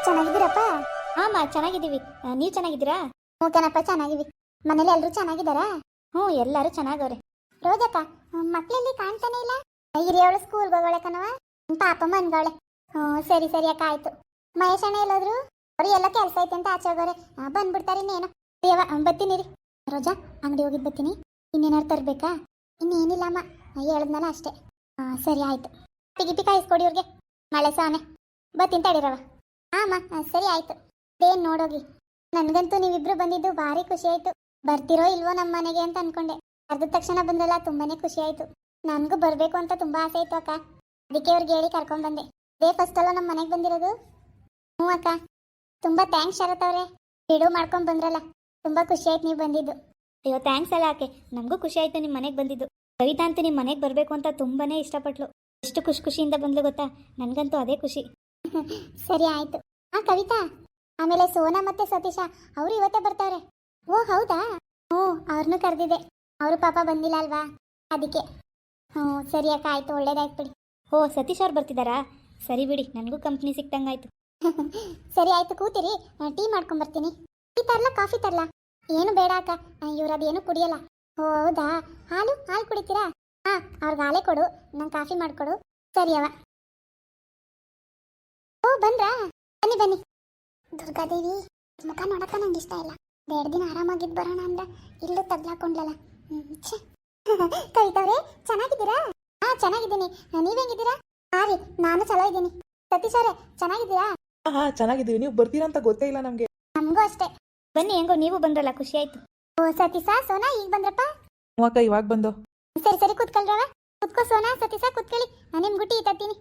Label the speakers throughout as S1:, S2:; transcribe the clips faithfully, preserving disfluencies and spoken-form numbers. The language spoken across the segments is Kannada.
S1: ಚೆನ್ನಾಗಿದ್ದೀರಪ್ಪ?
S2: ಹಾಂ ಚೆನ್ನಾಗಿದ್ದೀವಿ. ನೀವು ಚೆನ್ನಾಗಿದ್ದೀರಾ?
S1: ಹ್ಞೂ ಕಣಪ್ಪ, ಚೆನ್ನಾಗಿವಿ. ಮನೇಲಿ ಎಲ್ಲರೂ ಚೆನ್ನಾಗಿದ್ದಾರಾ?
S2: ಹ್ಞೂ ಎಲ್ಲರೂ ಚೆನ್ನಾಗವ್ರೆ.
S1: ರೋಜಕ್ಕ, ಮಕ್ಕಳಲ್ಲಿ ಕಾಣ್ತಾನೆ ಇಲ್ಲ. ಹಿರಿಯವಳು ಸ್ಕೂಲ್ಗೆ ಹೋಗೋಳೆ ಕಣವ, ಪಾಪ ಮನ್ಗವಳೆ. ಹ್ಞೂ ಸರಿ ಸರಿ ಅಕ್ಕ, ಆಯ್ತು. ಮಹೇಶ್ ಅಣ್ಣ ಎಲ್ಲೋದ್ರು? ಅವ್ರು ಎಲ್ಲ ಕೆಲಸ ಐತೆ ಅಂತ ಆಚೆ ಹೋಗೋರೆ, ಬಂದ್ಬಿಡ್ತಾರೆ ಇನ್ನೇನು. ದೇವ ಬತ್ತೀನಿ ರೀ. ರೋಜಾ, ಅಂಗಡಿ ಹೋಗಿದ್ದು ಬತ್ತೀನಿ. ಇನ್ನೇನಾರು ತರಬೇಕಾ? ಇನ್ನೇನಿಲ್ಲಮ್ಮ, ಹೇಳಿದ್ನಲ್ಲ ಅಷ್ಟೇ. ಹಾಂ ಸರಿ ಆಯ್ತು. ಪಿಗಿ ಕಾಯಿಸ್ಕೊಡಿ ಇವ್ರಿಗೆ, ಮಳೆ ಸಾನೆ. ಬತ್ತೀನಿ ತಡೀರವ. ಹಾಂ ಅಮ್ಮ ಸರಿ ಆಯ್ತು. ಏನ್ ನೋಡೋಗಿ, ನನ್ಗಂತೂ ನೀವಿಬ್ರು ಬಂದಿದ್ದು ಭಾರಿ ಖುಷಿ ಆಯ್ತು. ಬರ್ತಿರೋ ಇಲ್ವೋ ನಮ್ಮ ಮನೆಗೆ ಅಂತ ಅನ್ಕೊಂಡೆ. ಅರ್ಧ ತಕ್ಷಣ ಬಂದಲ್ಲ, ತುಂಬಾನೇ ಖುಷಿ ಆಯ್ತು. ನನ್ಗೂ ಬರ್ಬೇಕು ಅಂತ ತುಂಬಾ ಆಸೆ ಇತ್ತು ಅಕ್ಕ, ಅದಕ್ಕೆ ಅವ್ರಿಗೆ ಹೇಳಿ ಕರ್ಕೊಂಡ್ ಬಂದೆ. ಇದೇ ಫಸ್ಟ್ ಅಲ್ಲ ನಮ್ಮ ಮನೆಗೆ ಬಂದಿರೋದು. ಹ್ಞೂ ಅಕ್ಕ, ತುಂಬಾ ಥ್ಯಾಂಕ್ಸ್ ಶರತ್ ಅವ್ರೆ, ಬಿಡು ಮಾಡ್ಕೊಂಡ್ ಬಂದ್ರಲ್ಲ. ತುಂಬಾ ಖುಷಿ ಆಯ್ತು ನೀವು ಬಂದಿದ್ದು.
S2: ಅಯ್ಯೋ ಥ್ಯಾಂಕ್ಸ್ ಅಲ್ಲ ಆಕೆ, ನಮಗೂ ಖುಷಿ ಆಯ್ತು ನಿಮ್ಮ ಮನೆಗೆ ಬಂದಿದ್ದು. ಕವಿತಾ ಅಂತೂ ನಿಮ್ಮ ಮನೆಗೆ ಬರಬೇಕು ಅಂತ ತುಂಬಾನೇ ಇಷ್ಟಪಟ್ಲು. ಎಷ್ಟು ಖುಷಿ ಖುಷಿಯಿಂದ ಬಂದ್ಲು ಗೊತ್ತಾ, ನನಗಂತೂ ಅದೇ ಖುಷಿ.
S1: ಸರಿ ಆಯ್ತು. ಹಾ ಕವಿತಾ, ಆಮೇಲೆ ಸೋನಾ ಮತ್ತೆ ಸತೀಶ ಅವರು ಇವತ್ತೇ ಬರ್ತಾವ್ರೆ. ಓ ಹೌದಾ? ಹ್ಞೂ ಅವ್ರನ್ನೂ ಕರೆದಿದೆ, ಅವರು ಪಾಪ ಬಂದಿಲ್ಲ ಅಲ್ವಾ, ಅದಕ್ಕೆ. ಹ್ಞೂ ಸರಿ ಅಕ್ಕ, ಆಯ್ತು, ಒಳ್ಳೇದಾಯ್ತು ಬಿಡಿ.
S2: ಓ ಸತೀಶ್ ಅವ್ರು ಬರ್ತಿದ್ದಾರಾ? ಸರಿ ಬಿಡಿ, ನನಗೂ ಕಂಪ್ನಿ ಸಿಕ್ತಂಗಾಯ್ತು.
S1: ಸರಿ ಆಯ್ತು, ಕೂತಿರಿ, ಟೀ ಮಾಡ್ಕೊಂಬರ್ತೀನಿ. ಟೀ ತರ್ಲಾ ಕಾಫಿ ತರ್ಲಾ? ಏನು ಬೇಡ ಅಕ್ಕ, ಇವ್ರು ಅದೇನು ಕುಡಿಯಲ್ಲ. ಓ ಹೌದಾ? ಹಾಲು ಹಾಲು ಕುಡಿತೀರಾ? ಹಾಂ ಅವ್ರಿಗೆ ಹಾಲೇ ಕೊಡು, ನಂಗೆ ಕಾಫಿ ಮಾಡಿಕೊಡು. ಸರಿ ಅವ. ಓ ಬಂದ್ರಾ? ಬನ್ನಿ ಬನ್ನಿ. ದುರ್ಗಾದೇವಿ ಮುಖ ನೋಡಕ್ಕ ನಂಗೆ ಇಷ್ಟ ಇಲ್ಲ. ಎರಡು ದಿನ ಆರಾಮಾಗಿದ್ದು ಬರೋಣ ಅಂದ್ರೆ ಇಲ್ಲೂ ತಗ್ಲಾಕೊಂಡ್ಲಲ್ಲ. ಕವಿತವ್ರೆ ಚೆನ್ನಾಗಿದ್ದೀರಾ? ಹಾ ಚೆನ್ನಾಗಿದ್ದೀನಿ, ನೀವ್ ಹೆಂಗಿದ್ದೀರಾ? ಹಾ ರೀ, ನಾನು ಚಲೋ ಇದ್ದೀನಿ. ಸತೀಶ್ ಅವ್ರೆ ಚೆನ್ನಾಗಿದ್ದೀರಾ?
S3: ಹಾ ಚೆನ್ನಾಗಿದ್ದೀವಿ. ನೀವು ಬರ್ತೀರಾ ಅಂತ ಗೊತ್ತೇ ಇಲ್ಲ ನಮ್ಗೆ.
S1: ನಮಗೂ ಅಷ್ಟೇ.
S2: ಬನ್ನಿ, ಹೆಂಗೋ ನೀವು ಬಂದ್ರಲ್ಲ, ಖುಷಿ ಆಯ್ತು.
S1: ಓ ಸತೀಶ ಸೋನಾ ಈಗ ಬಂದ್ರಪ್ಪ?
S3: ಹ್ಞೂ ಅಕ್ಕ, ಇವಾಗ ಬಂದು.
S1: ಸರಿ ಸರಿ ಕೂತ್ಕೊಳ್ರವ. ಕೂತ್ಕೋ ಸೋನಾ, ಸತೀಶ ಕೂತ್ಕೊಳ್ಳಿ, ನಾನು ನಿಮ್ ಗುಟ್ಟಿ ತತ್ತೀನಿ.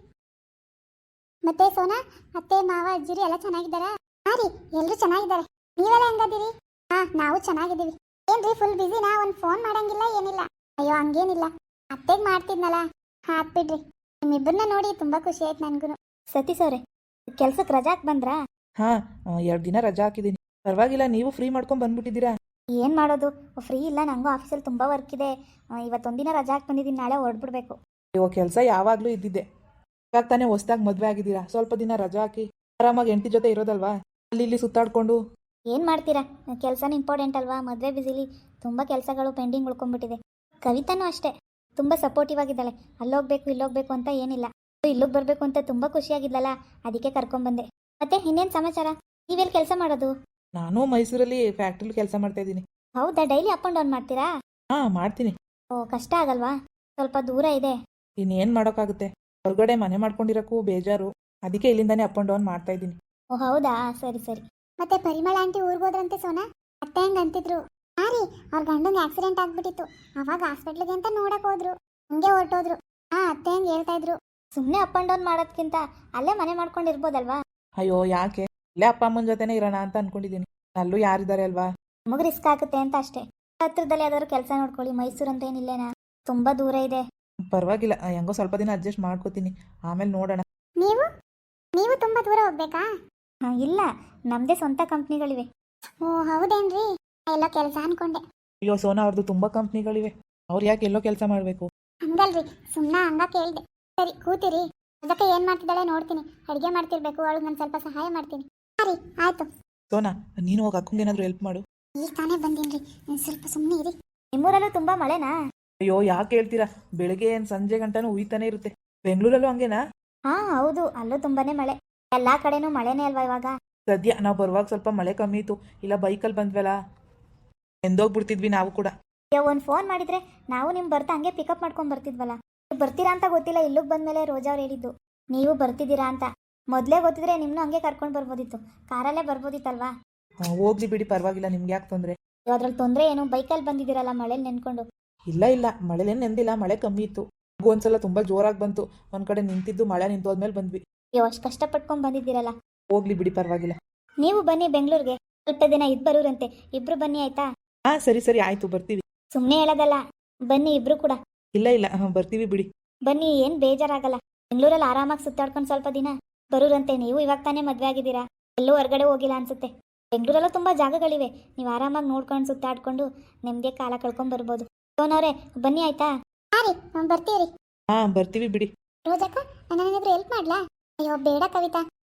S1: ಮತ್ತೆ ಸೋನಾ, ಅತ್ತೆ ಮಾವ ಅಜ್ಜಿರಿ ಎಲ್ಲ ಚೆನ್ನಾಗಿದ್ದಾರಾ? ಹಾ ರೀ, ಎಲ್ರು ಚೆನ್ನಾಗಿದ್ದಾರೆ. ನೀವೆಲ್ಲ ಹೆಂಗದಿರಿ? ಹಾ ನಾವು ಚೆನ್ನಾಗಿದ್ದೀವಿ. ಏನ್ರಿ ಫುಲ್ ಬಿಸಿನಾ? ಒಂದು ಫೋನ್ ಮಾಡಂಗಿಲ್ಲ ಏನಿಲ್ಲ? ಅಯ್ಯೋ ಹಂಗೇನಿಲ್ಲ, ಅತ್ತೆಗೆ ಮಾಡ್ತಿದ್ನಲ್ಲ, ಹಾಕ್ ಬಿಡ್ರಿ. ನಿಮ್ಮಿಬ್ಬರನ್ನ ನೋಡಿ ತುಂಬಾ ಖುಷಿ ಆಯ್ತು ನನ್ಗೂ.
S2: ಸತೀಶ್ ಅವ್ರೆ, ಕೆಲ್ಸಕ್ಕೆ ರಜಾಕ್ ಬಂದ್ರಾ?
S3: ಹಾ ಎರಡು ದಿನ ರಜಾ ಹಾಕಿದ್ದೀನಿ. ಪರವಾಗಿಲ್ಲ, ನೀವು ಫ್ರೀ ಮಾಡ್ಕೊಂಡ್ ಬಂದ್ಬಿಟ್ಟಿದ್ದೀರಾ.
S2: ಏನು ಮಾಡೋದು, ಫ್ರೀ ಇಲ್ಲ, ನನಗೂ ಆಫೀಸಲ್ಲಿ ತುಂಬ ವರ್ಕ್ ಇದೆ. ಇವತ್ತೊಂದಿನ ರಜಾ ಹಾಕಿ ಬಂದಿದ್ದೀನಿ, ನಾಳೆ ಹೊರಡ್ಬಿಡ್ಬೇಕು.
S3: ಅಯ್ಯೋ ಕೆಲಸ ಯಾವಾಗಲೂ ಇದ್ದಿದ್ದೆ. ಇವಾಗ ತಾನೇ ಹೊಸ್ದಾಗಿ ಮದುವೆ ಆಗಿದ್ದೀರಾ, ಸ್ವಲ್ಪ ದಿನ ರಜಾ ಹಾಕಿ ಆರಾಮಾಗಿ ಹೆಂಡತಿ ಜೊತೆ ಇರೋದಲ್ವಾ, ಅಲ್ಲಿ ಇಲ್ಲಿ ಸುತ್ತಾಡ್ಕೊಂಡು.
S2: ಏನು ಮಾಡ್ತೀರಾ, ಕೆಲಸನೂ ಇಂಪಾರ್ಟೆಂಟ್ ಅಲ್ವಾ. ಮದುವೆ ಬಿಸಿಲಿ ತುಂಬ ಕೆಲಸಗಳು ಪೆಂಡಿಂಗ್ ಉಳ್ಕೊಂಡ್ಬಿಟ್ಟಿದೆ. ಕವಿತಾನೂ ಅಷ್ಟೇ, ತುಂಬ ಸಪೋರ್ಟಿವ್ ಆಗಿದ್ದಾಳೆ. ಅಲ್ಲೋಗ್ಬೇಕು ಇಲ್ಲೋಗ್ಬೇಕು ಅಂತ ಏನಿಲ್ಲ. ಇಲ್ಲಿಗೆ ಬರಬೇಕು ಅಂತ ತುಂಬ ಖುಷಿಯಾಗಿದ್ದಲ್ಲ, ಅದಕ್ಕೆ ಕರ್ಕೊಂಡ್ಬಂದೆ. ಮತ್ತೆ ಇನ್ನೇನು ಸಮಾಚಾರ? ನೀವೆಲ್ಲಿ ಕೆಲಸ ಮಾಡೋದು?
S3: ನಾನು ಮೈಸೂರಲ್ಲಿ ಫ್ಯಾಕ್ಟ್ರಿಲಿ ಕೆಲಸ ಮಾಡ್ತಾ ಇದ್ದೀನಿ.
S2: ಹೌದಾ, ಡೈಲಿ ಅಪ್ ಆ್ಯಂಡ್ ಡೌನ್ ಮಾಡ್ತೀರಾ?
S3: ಹಾ ಮಾಡ್ತೀನಿ.
S2: ಓ ಕಷ್ಟ ಆಗಲ್ವಾ? ಸ್ವಲ್ಪ ದೂರ ಇದೆ.
S3: ಇನ್ನೇನು ಮಾಡೋಕ್ಕಾಗುತ್ತೆ, ಹೊರಗಡೆ ಮನೆ ಮಾಡ್ಕೊಂಡಿರೋಕ್ಕೂ ಬೇಜಾರು, ಅದಕ್ಕೆ ಇಲ್ಲಿಂದಾನೇ ಅಪ್ ಆ್ಯಂಡ್ ಡೌನ್ ಮಾಡ್ತಾ ಇದ್ದೀನಿ.
S2: ಓ ಹೌದಾ, ಸರಿ ಸರಿ.
S1: ಮತ್ತೆ ಪರಿಮಳ ಆಂಟಿ ಊರಿಗೆ ಹೋದ್ರಂತೆ ಸೋನಾ? ಅತ್ತೆ ಹೆಂಗ್ ಅಂತಿದ್ರು? ಹಾ ರೀ, ಅವ್ರ ಗಂಡಂಗೆ ಆಕ್ಸಿಡೆಂಟ್ ಆಗ್ಬಿಟ್ಟಿತ್ತು, ಅವಾಗ ಹಾಸ್ಪಿಟ್ಲಿಗೆ ಅಂತ ನೋಡಕ್ ಹೋದ್ರು, ಹಂಗೆ ಹೊರಟೋದ್ರು. ಹಾ ಅತ್ತೆ ಹೆಂಗ್ ಹೇಳ್ತಾ ಇದ್ರು.
S2: ಸುಮ್ಮನೆ ಅಪ್ ಆ್ಯಂಡ್ ಡೌನ್ ಮಾಡೋದ್ಕಿಂತ ಅಲ್ಲೇ ಮನೆ ಮಾಡ್ಕೊಂಡಿರ್ಬೋದಲ್ವಾ?
S3: ಅಯ್ಯೋ ಯಾಕೆ, ಇಲ್ಲೇ ಅಪ್ಪ ಅಮ್ಮನ ಜೊತೆನೇ ಇರೋಣ ಅಂತ ಅನ್ಕೊಂಡಿದ್ದೀನಿ. ಅಲ್ಲೂ ಯಾರಿದ್ದಾರೆ ಅಲ್ವಾ.
S2: ನಮಗೆ ರಿಸ್ಕ್ ಆಗುತ್ತೆ ಅಂತ ಅಷ್ಟೇ. ಹತ್ರದಲ್ಲಿ ಯಾವ್ದಾದ್ರು ಕೆಲಸ ನೋಡ್ಕೊಳ್ಳಿ. ಮೈಸೂರು ಅಂತ ಏನಿಲ್ಲೇನಾ, ತುಂಬ ದೂರ ಇದೆ.
S3: ಪರವಾಗಿಲ್ಲ, ಹೆಂಗೋ ಸ್ವಲ್ಪ ದಿನ ಅಡ್ಜಸ್ಟ್ ಮಾಡ್ಕೋತೀನಿ, ಆಮೇಲೆ ನೋಡೋಣ.
S1: ನೀವು ನೀವು ತುಂಬಾ ದೂರ ಹೋಗ್ಬೇಕಾ?
S2: ಹಾಂ ಇಲ್ಲ, ನಮ್ಮದೇ ಸ್ವಂತ ಕಂಪ್ನಿಗಳಿವೆ.
S1: ಓ ಹೌದೇನ್ರಿ, ಎಲ್ಲ ಕೆಲಸ ಅನ್ಕೊಂಡೆ.
S3: ಅಯ್ಯೋ ಸೋನಾ, ಅವ್ರದ್ದು ತುಂಬ ಕಂಪ್ನಿಗಳಿವೆ, ಅವ್ರು ಯಾಕೆ ಎಲ್ಲೋ ಕೆಲಸ ಮಾಡಬೇಕು?
S1: ಹಂಗಲ್ರಿ, ಸುಮ್ಮನೆ ಹಂಗ ಕೇಳ್ದೆ. ಸರಿ ಕೂತಿರಿ. ಅದಕ್ಕೆ ಏನ್ ಮಾಡ್ತಿದ್ದಾಳೆ ನೋಡ್ತೀನಿ, ಅಡುಗೆ ಮಾಡ್ತಿರ್ಬೇಕು, ಅವಳಿಗೆ ನಾನು ಸ್ವಲ್ಪ ಸಹಾಯ ಮಾಡ್ತೀನಿ. ಸರಿ ಆಯ್ತು.
S3: ಸೋನಾ, ನೀನು ಹೋಗಿ ಅಕ್ಕಂಗೆ ಏನಾದರೂ ಹೆಲ್ಪ್ ಮಾಡು.
S1: ಈಗ ತಾನೇ ಬಂದೀನ್ರಿ, ಸ್ವಲ್ಪ ಸುಮ್ಮನೆ ಇರಿ.
S2: ನಿಮ್ಮೂರಲ್ಲೂ ತುಂಬ ಮಳೆನಾ?
S3: ಅಯ್ಯೋ ಯಾಕೆ ಹೇಳ್ತೀರಾ, ಬೆಳಿಗ್ಗೆ ಏನು ಸಂಜೆ ಗಂಟನೂ ಉಯ್ತಾನೆ ಇರುತ್ತೆ. ಬೆಂಗಳೂರಲ್ಲೂ ಹಂಗೇನಾ?
S2: ಹಾಂ ಹೌದು, ಅಲ್ಲೂ ತುಂಬಾನೇ ಮಳೆ. ಎಲ್ಲ ಕಡೆನೂ ಮಳೆನೇ ಅಲ್ವಾ ಇವಾಗ.
S3: ಸದ್ಯ ನಾವು ಬರುವಾಗ ಸ್ವಲ್ಪ ಮಳೆ ಕಮ್ಮಿ ಇತ್ತು, ಇಲ್ಲ ಬೈಕಲ್ಲಿ ಬಂದ್ವಲ್ಲ, ಎಂದೋಗ್ಬಿಡ್ತಿದ್ವಿ ನಾವು ಕೂಡ.
S2: ಒಂದು ಫೋನ್ ಮಾಡಿದ್ರೆ ನಾವು ನಿಮ್ ಬರ್ತಾ ಹಂಗೆ ಪಿಕಪ್ ಮಾಡ್ಕೊಂಡ್ ಬರ್ತಿದ್ವಲ್ಲ. ನೀವು ಬರ್ತೀರಾ ಅಂತ ಗೊತ್ತಿಲ್ಲ, ಇಲ್ಲಿಗೆ ಬಂದ್ಮೇಲೆ ರೋಜಾ ಅವ್ರು ಹೇಳಿದ್ದು ನೀವು ಬರ್ತಿದ್ದೀರಾ ಅಂತ. ಮೊದಲೇ ಗೊತ್ತಿದ್ರೆ ನಿಮ್ಮನ್ನು ಹಂಗೆ ಕರ್ಕೊಂಡು ಬರ್ಬೋದಿತ್ತು, ಕಾರಲ್ಲೇ ಬರ್ಬೋದಿತ್ತಲ್ವಾ.
S3: ಹೋಗ್ಲಿ ಬಿಡಿ, ಪರವಾಗಿಲ್ಲ, ನಿಮ್ಗೆ ಯಾಕೆ ತೊಂದರೆ?
S2: ಅದ್ರಲ್ಲಿ ತೊಂದರೆ ಏನು, ಬೈಕಲ್ಲಿ ಬಂದಿದ್ದೀರಲ್ಲ ಮಳೇಲಿ ನೆನ್ಕೊಂಡು.
S3: ಇಲ್ಲ ಇಲ್ಲ, ಮಳೆಲೇನು ನೆಂದಿಲ್ಲ, ಮಳೆ ಕಮ್ಮಿ ಇತ್ತು. ಒಂದ್ಸಲ ತುಂಬಾ ಜೋರಾಗಿ ಬಂತು, ಒಂದ್ ಕಡೆ ನಿಂತಿದ್ದು, ಮಳೆ ನಿಂತೋದ್ಮೇಲೆ ಬಂದ್ವಿ.
S2: ಅಯ್ಯೋ ಅಷ್ಟು ಕಷ್ಟಪಟ್ಕೊಂಡ್ ಬಂದಿದ್ದೀರಲ್ಲ.
S3: ಹೋಗ್ಲಿ ಬಿಡಿ, ಪರವಾಗಿಲ್ಲ.
S2: ನೀವು ಬನ್ನಿ ಬೆಂಗಳೂರಿಗೆ, ಸ್ವಲ್ಪ ದಿನ ಇದ್ ಬರೋರಂತೆ. ಇಬ್ರು ಬನ್ನಿ ಆಯ್ತಾ?
S3: ಹಾ ಸರಿ ಸರಿ ಆಯ್ತು, ಬರ್ತೀವಿ.
S2: ಸುಮ್ಮನೆ ಹೇಳೋದಲ್ಲ, ಬನ್ನಿ ಇಬ್ರು ಕೂಡ.
S3: ಇಲ್ಲ ಇಲ್ಲ, ಬರ್ತೀವಿ ಬಿಡಿ.
S2: ಬನ್ನಿ, ಏನ್ ಬೇಜಾರಾಗಲ್ಲ. ಬೆಂಗಳೂರಲ್ಲಿ ಆರಾಮಾಗಿ ಸುತ್ತಾಡ್ಕೊಂಡು ಸ್ವಲ್ಪ ದಿನ ಬರೋರಂತೆ. ನೀವು ಇವಾಗ ತಾನೇ ಮದ್ವೆ ಆಗಿದ್ದೀರಾ, ಎಲ್ಲೂ ಹೊರಗಡೆ ಹೋಗಿಲ್ಲ ಅನ್ಸುತ್ತೆ. ಬೆಂಗಳೂರಲ್ಲೂ ತುಂಬಾ ಜಾಗಗಳಿವೆ, ನೀವು ಆರಾಮಾಗಿ ನೋಡ್ಕೊಂಡು ಸುತ್ತಾಡ್ಕೊಂಡು ನೆಮ್ಮದಿ ಕಾಲ ಕಳ್ಕೊಂಡ್ ಬರ್ಬೋದು. ಸೋನವ್ರೆ ಬನ್ನಿ ಆಯ್ತಾ?
S1: ಹಾ ರೀ, ಬರ್ತೀವಿ.
S3: ಹಾ ಬರ್ತೀವಿ ಬಿಡಿ.
S1: ರೋಜಕ್ಕ, ನಾನೇನಾದ್ರೂ ಹೆಲ್ಪ್ ಮಾಡ್ಲಾ? ಅಯ್ಯೋ ಬೇಡ ಕವಿತಾ,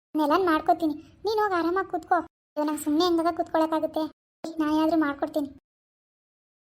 S1: ನೆಲನ್ ಮಾಡ್ಕೋತೀನಿ. ನೀನು ಹೋಗಿ ಆರಾಮಾಗಿ ಕೂತ್ಕೋ. ನಂಗೆ ಸುಮ್ಮನೆ ಹೆಂಗಾಗ ಕೂತ್ಕೊಳ್ಳೋಕ್ಕಾಗುತ್ತೆ. ನಾನು ಏನಾದರೂ ಮಾಡ್ಕೊಡ್ತೀನಿ.